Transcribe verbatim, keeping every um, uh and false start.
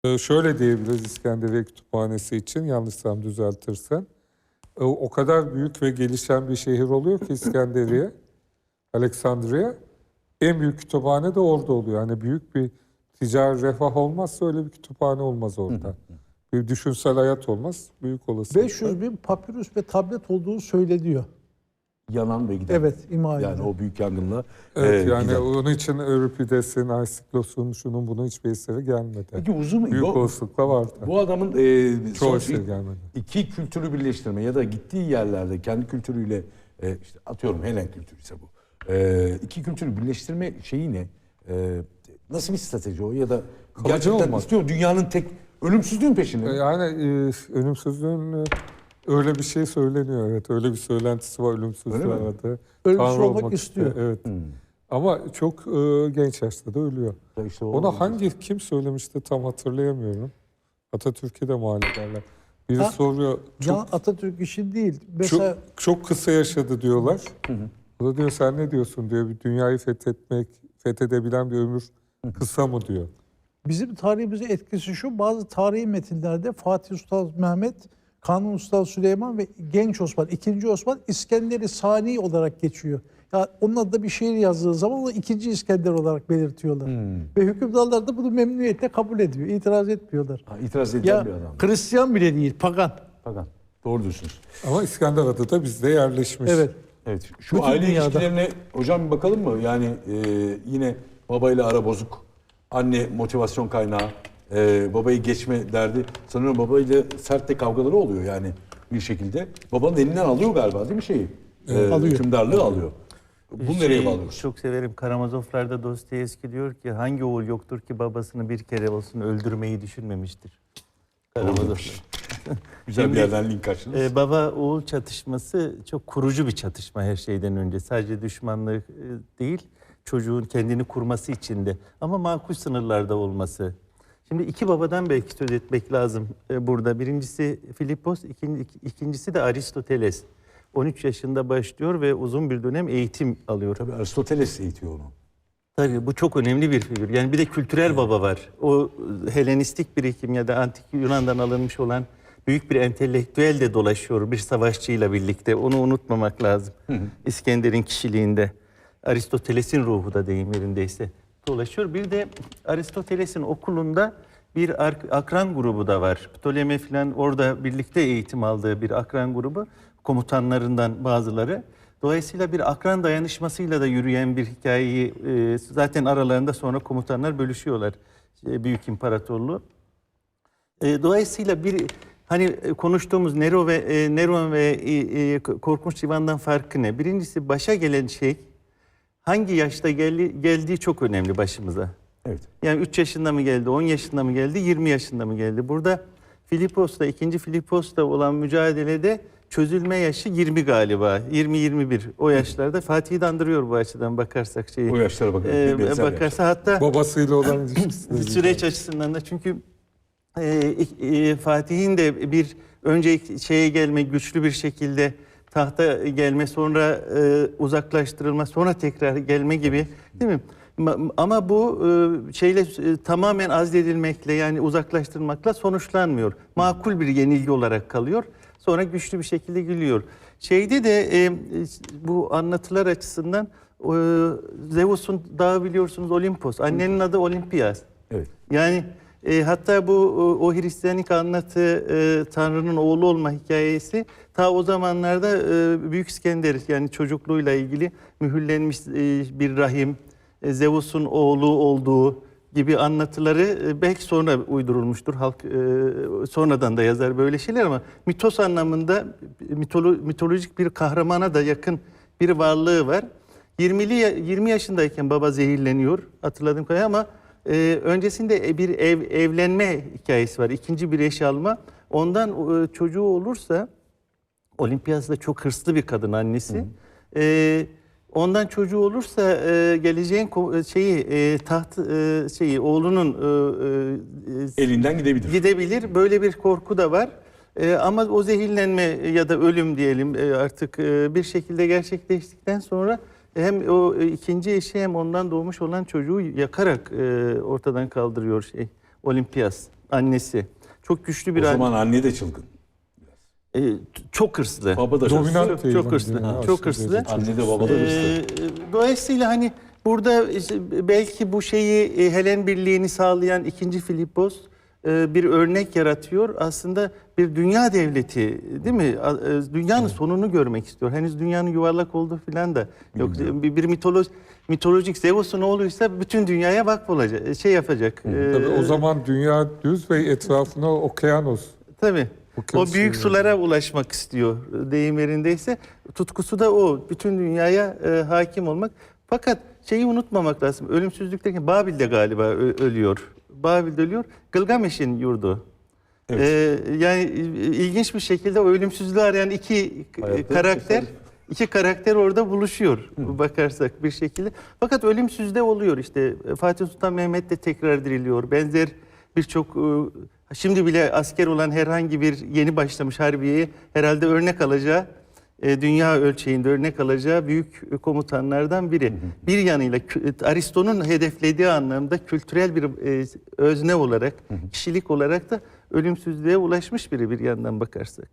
Ee, şöyle diyebiliriz İskenderiye Kütüphanesi için, yanlışsam düzeltirsen. Ee, o kadar büyük ve gelişen bir şehir oluyor ki İskenderiye, Aleksandriye. En büyük kütüphane de orada oluyor. Hani büyük bir ticari refah olmazsa öyle bir kütüphane olmaz orada. Bir düşünsel hayat olmaz. Büyük olasılıkla. beş yüz bin papirüs ve tablet olduğu söyleniyor. Yanan ve giden. Evet, ima edilen. Yani o büyük yangınla Evet, e, yani giden. onun için Euripides'in, Aysiklos'un, şunun bunun hiçbir eseri gelmedi. Peki uzun mu? Büyük Bu, olasılıkla vardı. bu adamın e, Çoğu son- eseri gelmedi. iki kültürü birleştirme ya da gittiği yerlerde kendi kültürüyle e, işte atıyorum Helen kültürü ise bu. E, iki kültürü birleştirme şeyi ne? E, nasıl bir strateji o ya da Kalıcı gerçekten olmak. istiyor dünyanın tek ölümsüzlüğün peşinde mi? Yani e, ölümsüzlüğün e, öyle bir şey söyleniyor. Evet, öyle bir söylentisi var, ölümsüzlüğü Öyle mi? aradı. Ölümsüz Tanrı olmak istiyor. Evet. Ama çok e, genç yaşta da ölüyor. Ya işte o- Ona hangi kim söylemişti tam hatırlayamıyorum. Atatürk'e de mal ederler. Biri Ha, soruyor. Can Çok, Atatürk işi değil. Mesela çok, çok kısa yaşadı diyorlar. O da diyor sen ne diyorsun diyor. Bir dünyayı fethetmek, fethedebilen bir ömür kısa mı diyor. bizim tarihimize etkisi şu, bazı tarihi metinlerde Fatih Sultan Mehmet, Kanuni Sultan Süleyman ve Genç Osman, ikinci Osman İskender-i Sani olarak geçiyor. Ya onun adında bir şiir yazdığı zaman onu ikinci İskender olarak belirtiyorlar. Ve hükümdarlar da bunu memnuniyetle kabul ediyor, itiraz etmiyorlar. Ha, itiraz edilen Ya bir adam. Hristiyan bile değil, pagan. Fakat doğru diyorsunuz. Ama İskender adı da bizde yerleşmiş. Evet. Evet. Şu Bütün aile dünyada. ilişkilerine hocam bir bakalım mı? Yani e, yine babayla ara bozuk. Anne motivasyon kaynağı. E, babayı geçme derdi. Sanıyorum babayla sert de kavgaları oluyor yani bir şekilde. Babanın elinden alıyor galiba değil mi şeyi? E, Alıyor. Hükümdarlığı alıyor. Bunu nereye Şey, bağlıyoruz? Çok severim. Karamazovlar'da Dostoyevski diyor ki hangi oğul yoktur ki babasını bir kere olsun öldürmeyi düşünmemiştir. Karamazovlar. Güzel bir Şimdi, yerden link açtınız. Ee, baba oğul çatışması çok kurucu bir çatışma her şeyden önce. Sadece düşmanlık e, değil, çocuğun kendini kurması için de. Ama makul sınırlarda olması. Şimdi iki babadan belki söz etmek lazım e, burada. Birincisi Filippos, ikinci, ikincisi de Aristoteles. on üç yaşında başlıyor ve uzun bir dönem eğitim alıyor. Tabii Aristoteles eğitiyor onu. Tabii bu çok önemli bir figür. Yani bir de kültürel baba var. O Helenistik birikim ya da antik Yunan'dan alınmış olan büyük bir entelektüel de dolaşıyor bir savaşçıyla birlikte. Onu unutmamak lazım. İskender'in kişiliğinde. Aristoteles'in ruhu da deyim yerindeyse dolaşıyor. Bir de Aristoteles'in okulunda bir akran grubu da var. Ptolemy falan orada birlikte eğitim aldığı bir akran grubu. Komutanlarından bazıları. Dolayısıyla bir akran dayanışmasıyla da yürüyen bir hikayeyi e, zaten aralarında sonra komutanlar bölüşüyorlar. E, Büyük İmparatorluğu. E, dolayısıyla bir hani e, konuştuğumuz Nero ve e, Neron ve e, e, Korkunç Divan'dan farkı ne? Birincisi başa gelen şey hangi yaşta geldi, geldiği çok önemli başımıza. Evet. Yani üç yaşında mı geldi, on yaşında mı geldi, yirmi yaşında mı geldi? Burada Filippos'ta, ikinci Filippos'ta olan mücadelede çözülme yaşı yirmi galiba. yirmi yirmi bir o yaşlarda. Fatih'i de andırıyor bu açıdan bakarsak şeyi. O yaşlara bakın. Ee, benzer bakarsa yaşlar. hatta Babasıyla olan ilişkisi. süreç açısından da çünkü e, e, Fatih'in de bir önce şeye gelme güçlü bir şekilde tahta gelme sonra e, uzaklaştırılma sonra tekrar gelme gibi değil mi? Ama bu e, şeyle e, tamamen azledilmekle yani uzaklaştırmakla sonuçlanmıyor. Makul bir yenilgi olarak kalıyor. Sonra güçlü bir şekilde gülüyor. Şeyde de e, bu anlatılar açısından e, Zeus'un dağı biliyorsunuz Olimpos. Annenin adı Olimpiyas. Evet. Yani e, hatta bu o, o Hristiyanlık anlatı e, Tanrı'nın oğlu olma hikayesi ta o zamanlarda e, Büyük İskender yani çocukluğuyla ilgili mühürlenmiş e, bir rahim, e, Zeus'un oğlu olduğu gibi anlatıları e, belki sonra uydurulmuştur. Halk e, sonradan da yazar böyle şeyler ama mitos anlamında mitolo, mitolojik bir kahramana da yakın bir varlığı var. yirmili yirmi yaşındayken baba zehirleniyor hatırladığım kadarıyla ama e, öncesinde bir ev evlenme hikayesi var. İkinci bir eş alma. Ondan e, çocuğu olursa Olimpiyas da çok hırslı bir kadın annesi. E, Ondan çocuğu olursa e, geleceğin şeyi e, taht e, şeyi oğlunun e, e, Elinden gidebilir. gidebilir. Böyle bir korku da var. E, ama o zehirlenme ya da ölüm diyelim e, artık e, bir şekilde gerçekleştikten sonra hem o e, ikinci eşi hem ondan doğmuş olan çocuğu yakarak e, ortadan kaldırıyor şey Olimpiyas. annesi. Çok güçlü bir O anne. zaman anne de çılgın. E, t- çok hırslı. Baba da hırslı. Dominant Çok, değil çok mi? hırslı. Yani Çok aşırı hırslı. derece. Anne de baba da hırslı. Ee, dolayısıyla hani burada işte belki bu şeyi e, Helen Birliği'ni sağlayan ikinci Filipos e, bir örnek yaratıyor. Aslında bir dünya devleti değil mi? A- e, Dünyanın sonunu görmek istiyor. Henüz dünyanın yuvarlak olduğu falan da yok. Bir, bir mitoloji mitolojik Zeus'un oğluysa bütün dünyaya vakfolacak, şey yapacak. Ee, Tabii o zaman dünya düz ve etrafına okyanus. Tabii. Okyanus O büyük yani. sulara ulaşmak istiyor deyim yerindeyse. Tutkusu da o. Bütün dünyaya e, hakim olmak. Fakat şeyi unutmamak lazım. Ölümsüzlükteki Babil'de galiba ö- ölüyor. Babil'de ölüyor. Gılgameş'in yurdu. Evet. Ee, yani il- ilginç bir şekilde o ölümsüzlüğü arayan iki k- Hayatta karakter tesadüf. iki karakter orada buluşuyor bakarsak bir şekilde. Fakat ölümsüzde oluyor işte. Fatih Sultan Mehmet de tekrar diriliyor. Benzer birçok e, şimdi bile asker olan herhangi bir yeni başlamış harbiyeye herhalde örnek alacağı, e, dünya ölçeğinde örnek alacağı büyük komutanlardan biri. Bir yanıyla kü- Aristo'nun hedeflediği anlamda kültürel bir e, özne olarak, kişilik olarak da ölümsüzlüğe ulaşmış biri bir yandan bakarsak.